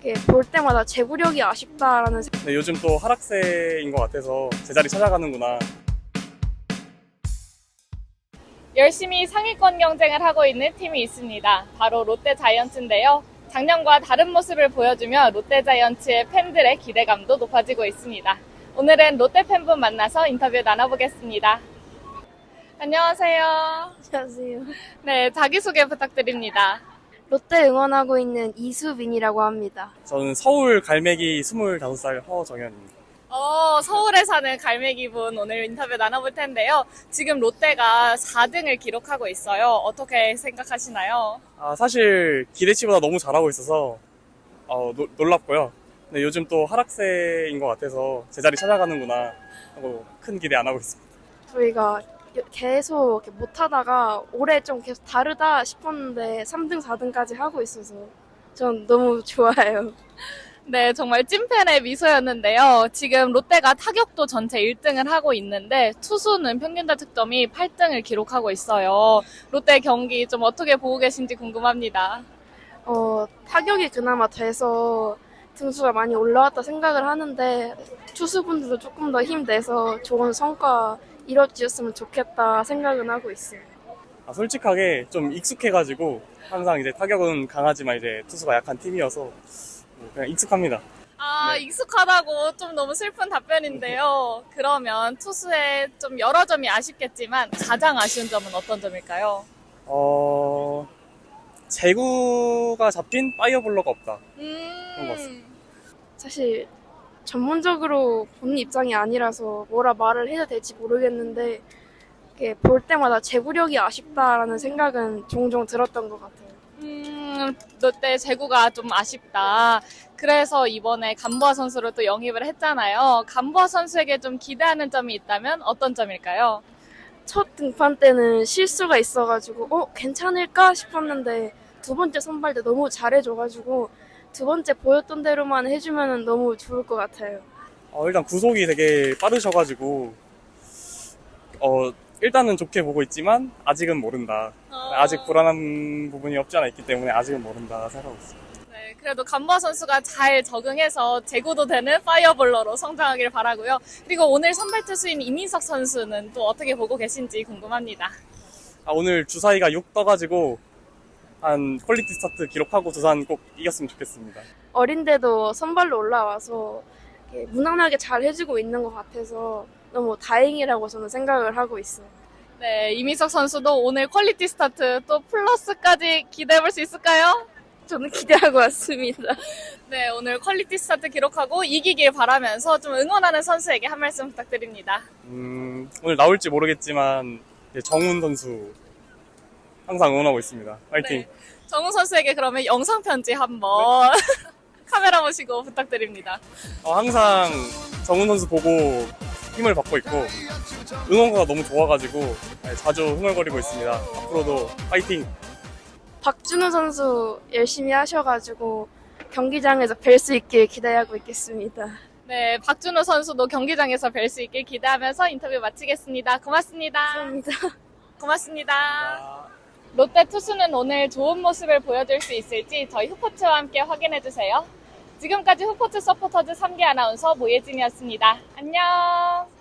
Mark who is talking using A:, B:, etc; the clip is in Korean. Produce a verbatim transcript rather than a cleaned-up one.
A: 이렇게 볼 때마다 제구력이 아쉽다라는 생각.
B: 네, 요즘 또 하락세인 것 같아서 제자리 찾아가는구나.
C: 열심히 상위권 경쟁을 하고 있는 팀이 있습니다. 바로 롯데자이언츠인데요. 작년과 다른 모습을 보여주며 롯데자이언츠의 팬들의 기대감도 높아지고 있습니다. 오늘은 롯데 팬분 만나서 인터뷰 나눠보겠습니다. 안녕하세요.
A: 안녕하세요.
C: 네, 자기소개 부탁드립니다.
A: 롯데 응원하고 있는 이수빈이라고 합니다.
B: 저는 서울 갈매기 스물다섯 살 허정현입니다.
C: 어, 서울에 사는 갈매기분 오늘 인터뷰 나눠볼 텐데요. 지금 롯데가 사 등을 기록하고 있어요. 어떻게 생각하시나요?
B: 아, 사실 기대치보다 너무 잘하고 있어서 어, 노, 놀랍고요. 근데 요즘 또 하락세인 것 같아서 제자리 찾아가는구나 하고 큰 기대 안 하고 있습니다.
A: 저희가 계속 이렇게 못하다가 올해 좀 계속 다르다 싶었는데 삼 등, 사 등까지 하고 있어서 전 너무 좋아요.
C: 네, 정말 찐팬의 미소였는데요. 지금 롯데가 타격도 전체 일 등을 하고 있는데 투수는 평균 자책점이 팔 등을 기록하고 있어요. 롯데 경기 좀 어떻게 보고 계신지 궁금합니다.
A: 어, 타격이 그나마 돼서 등수가 많이 올라왔다 생각을 하는데 투수분들도 조금 더 힘내서 좋은 성과 이뤄지셨으면 좋겠다 생각은 하고 있어요.
B: 아, 솔직하게 좀 익숙해가지고 항상 이제 타격은 강하지만 이제 투수가 약한 팀이어서 뭐 그냥 익숙합니다.
C: 아,
B: 네.
C: 익숙하다고 좀 너무 슬픈 답변인데요. 그러면 투수의 좀 여러 점이 아쉽겠지만 가장 아쉬운 점은 어떤 점일까요?
B: 어, 제구가 잡힌 파이어볼러가 없다. 그런 것
C: 음,
B: 같습니다.
A: 사실 전문적으로 보는 입장이 아니라서 뭐라 말을 해야 될지 모르겠는데 이렇게 볼 때마다 제구력이 아쉽다라는 생각은 종종 들었던 것 같아요.
C: 음, 롯데 제구가 좀 아쉽다. 그래서 이번에 감보아 선수를 또 영입을 했잖아요. 감보아 선수에게 좀 기대하는 점이 있다면 어떤 점일까요?
A: 첫 등판 때는 실수가 있어가지고 어 괜찮을까 싶었는데 두 번째 선발 때 너무 잘해줘가지고 두 번째 보였던 대로만 해주면 너무 좋을 것 같아요.
B: 어, 일단 구속이 되게 빠르셔가지고 어, 일단은 좋게 보고 있지만 아직은 모른다.
C: 어,
B: 아직 불안한 부분이 없지 않아 있기 때문에 아직은 모른다 생각하고 있습니다.
C: 네, 그래도 감보아 선수가 잘 적응해서 제구도 되는 파이어볼러로 성장하길 바라고요. 그리고 오늘 선발 투수인 이민석 선수는 또 어떻게 보고 계신지 궁금합니다.
B: 아, 오늘 주사위가 육 떠가지고 한 퀄리티 스타트 기록하고 두산 꼭 이겼으면 좋겠습니다.
A: 어린데도 선발로 올라와서 이렇게 무난하게 잘 해주고 있는 것 같아서 너무 다행이라고 저는 생각을 하고 있어요.
C: 네, 이민석 선수도 오늘 퀄리티 스타트 또 플러스까지 기대해볼 수 있을까요?
A: 저는 기대하고 왔습니다.
C: 네, 오늘 퀄리티 스타트 기록하고 이기길 바라면서 좀 응원하는 선수에게 한 말씀 부탁드립니다.
B: 음, 오늘 나올지 모르겠지만 이제 정훈 선수 항상 응원하고 있습니다. 파이팅!
C: 네, 정우 선수에게 그러면 영상 편지 한번 카메라 보시고 부탁드립니다.
B: 어, 항상 정훈 선수 보고 힘을 받고 있고 응원가가 너무 좋아가지고 자주 흥얼거리고 있습니다. 앞으로도 파이팅!
A: 박준호 선수 열심히 하셔가지고 경기장에서 뵐 수 있길 기대하고 있겠습니다.
C: 네, 박준호 선수도 경기장에서 뵐 수 있길 기대하면서 인터뷰 마치겠습니다. 고맙습니다.
A: 감사합니다.
C: 고맙습니다. 롯데 투수는 오늘 좋은 모습을 보여줄 수 있을지 저희 후포츠와 함께 확인해주세요. 지금까지 후포츠 서포터즈 삼 기 아나운서 모예진이었습니다. 안녕!